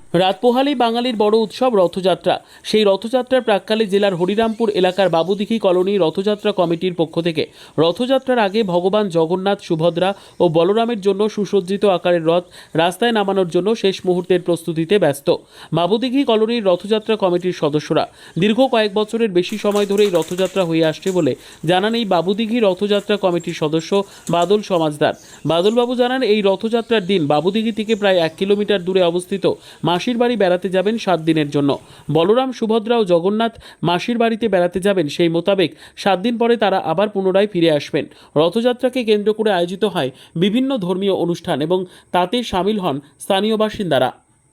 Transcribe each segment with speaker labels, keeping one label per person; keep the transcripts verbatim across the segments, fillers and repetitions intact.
Speaker 1: রাত পোহালেই বাঙালির বড় উৎসব রথযাত্রা। সেই রথযাত্রার প্রাক্কালে জেলার হরিরামপুর এলাকার বাবুদিঘি কলোনি রথযাত্রা কমিটির পক্ষ থেকে রথযাত্রার আগে ভগবান জগন্নাথ, সুভদ্রা ও বলরামের জন্য সুসজ্জিত আকারের রথ রাস্তায় নামানোর জন্য শেষ মুহূর্তের প্রস্তুতিতে ব্যস্ত বাবুদিঘি কলোনির রথযাত্রা কমিটির সদস্যরা। দীর্ঘ কয়েক বছরের বেশি সময় ধরেই রথযাত্রা হয়ে আসছে বলে জানান এই বাবুদিঘি রথযাত্রা কমিটির সদস্য বাদল সমাজদার। বাদলবাবু জানান, এই রথযাত্রার দিন বাবুদিঘি থেকে প্রায় এক কিলোমিটার দূরে অবস্থিত মাসির বাড়ি বেড়াতে যাবেন সাত দিনের জন্য। বলরাম, সুভদ্রা ও জগন্নাথ মাসির বাড়িতে বেড়াতে যাবেন, সেই মোতাবেক সাত দিন পরে তারা আবার পুনরায় ফিরে আসবেন। রথযাত্রাকে কেন্দ্র করে আয়োজিত হয় বিভিন্ন ধর্মীয় অনুষ্ঠান এবং তাতে সামিল হন স্থানীয় বাসিন্দারা।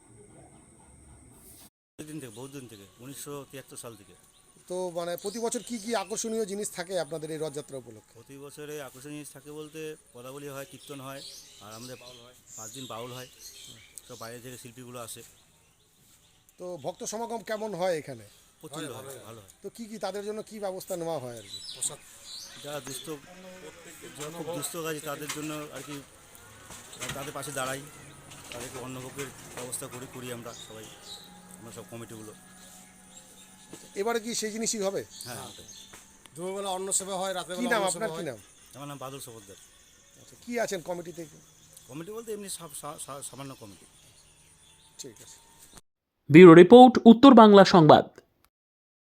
Speaker 2: দিন থেকে বহু দিন থেকে উনিশশো তিয়াত্তর সাল থেকে
Speaker 3: তো মানে প্রতি বছর কি কি আকর্ষণীয় জিনিস থাকে আপনাদের এই রথযাত্রা উপলক্ষে?
Speaker 2: প্রতি বছরে আকর্ষণীয় জিনিস থাকে বলতে পদাবলী হয়, কীর্তন হয়, আর আমাদের পাঁচ দিন বাউল হয়। সব বাইরে থেকে শিল্পীগুলো আসে।
Speaker 3: তো ভক্ত সমাগম কেমন হয় এখানে?
Speaker 2: প্রচণ্ড হয়, ভালো হয়।
Speaker 3: তো কি কি তাদের জন্য কি ব্যবস্থা নেওয়া হয় আর কি?
Speaker 2: যারা দুস্থ, যারা খুব দুস্থ কাজে তাদের জন্য আর কি তাদের পাশে দাঁড়াই, তাদেরকে অন্নভোগের ব্যবস্থা করি করি আমরা সবাই, আমরা সব কমিটিগুলো।
Speaker 3: এবারে কি সেই জিনিসই হবে?
Speaker 2: হ্যাঁ, ওটাই।
Speaker 4: দুপুরবেলা অন্ন সেবা হয়, রাতে
Speaker 3: কি নাম আপনার, কি নাম?
Speaker 2: আমার নাম বাদল সফরদার।
Speaker 3: আচ্ছা, কি আছেন কমিটিতে?
Speaker 2: কমিটি বলতে এমনি সা- সা- সা- সামান্য কমিটি।
Speaker 3: ঠিক আছে।
Speaker 1: ব্যুরো রিপোর্ট, উত্তর বাংলা সংবাদ।